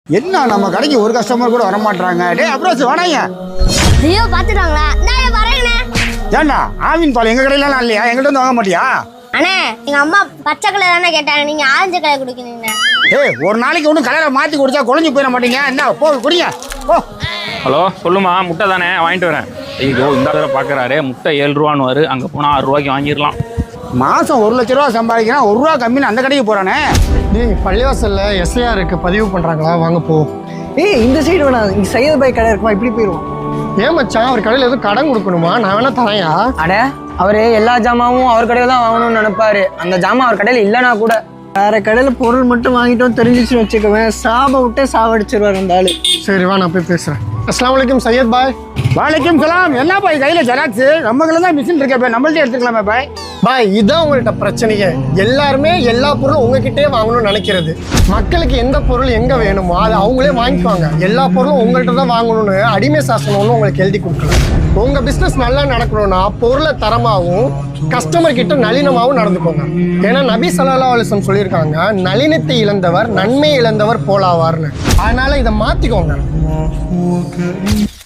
என்ன நம்ம கடைக்கு ஒரு கஸ்டமர் கூட வர மாட்டாங்க. டேய் அப்ரோஸ் வாடாங்க. ஐயோ பாத்துட்டாங்களா? நான் வரேனே. ஏண்டா ஆவின் பால் எங்க கடையில எல்லாம் இல்லையா? எங்கள்ட்ட வந்து வாங்க மாட்டியா? அண்ணே எங்க அம்மா பச்சை கலர் தானே கேட்டாங்க, நீங்க ஆரஞ்சு கலர் குடிக்கிறீங்க. ஏய் ஒரு நாளைக்கு ஒன்றும் கலரை மாற்றி குடிச்சா குழஞ்சி போயிட மாட்டீங்க. என்ன போ குடிங்க போ. ஹலோ சொல்லுமா, முட்டை தானே வாங்கிட்டு வரேன். ஐயோ இந்த தடவை பார்க்குறாரு, முட்டை 7 ரூபான்னு வரு, அங்கே போனால் 6 ரூபாய்க்கு வாங்கிடலாம். மாதம் 1 லட்ச ரூபா சம்பாதிக்கிறான், 1 ரூபா கம்மின்னு அந்த கடைக்கு போகிறானே. டேய் பள்ளிவாசல்ல எஸ்ஐஆருக்கு பதிவு பண்ணுறாங்களா, வாங்க போ. ஏய் இந்த சைடு வேணாம், இங்கே சையது பாய் கடை இருக்குமா, இப்படி போயிடுவோம். ஏன் மச்சான், அவர் கடையில் எதுவும் கடன் கொடுக்கணுமா? நான் வேணா தரையா? அட அவரு எல்லா ஜாமாவும் அவர் கடையில் தான் வாங்கணும்னு நினைப்பாரு. அந்த ஜாமான் அவர் கடையில் இல்லைனா கூட வேற கடையில் பொருள் மட்டும் வாங்கிட்டோம் தெரிஞ்சிச்சுன்னு வச்சுக்கவேன், சாப விட்டே சாவடிச்சிருவார் அந்த ஆளு. சரி வா, நான் போய் பேசுகிறேன். அஸ்ஸலாமு அலைக்கும் சையத் பாய். வாழைக்கும் சலாம். என்ன பாய் கையில் ஜெராக்ஸ்? நம்மளுக்கு தான் மிஷின் இருக்கே பாய், நம்மள்ட்டே எடுத்துக்கலாமே பாய். பாய் இதுதான் உங்கள்கிட்ட பிரச்சனையே. எல்லாருமே எல்லா பொருளும் உங்ககிட்டே வாங்கணும்னு நினைக்கிறது. மக்களுக்கு எந்த பொருள் எங்கே வேணுமோ அதை அவங்களே வாங்கிக்குவாங்க. எல்லா பொருளும் உங்கள்கிட்ட தான் வாங்கணும்னு அடிமை சாசனம் ஒன்று உங்களுக்கு எழுதி கொடுக்கலாம். உங்கள் பிஸ்னஸ் நல்லா நடக்கணும்னா பொருளை தரமாகவும் கஸ்டமர் கிட்ட நளினமாகவும் நடந்துக்கோங்க. ஏன்னா நபி ஸல்லல்லாஹு அலைஹி வஸல்லம் சொல்லியிருக்காங்க, நளினத்தை இழந்தவர் நன்மை இழந்தவர் போலாவார்னு. அதனால இதை மாற்றிக்கோங்க.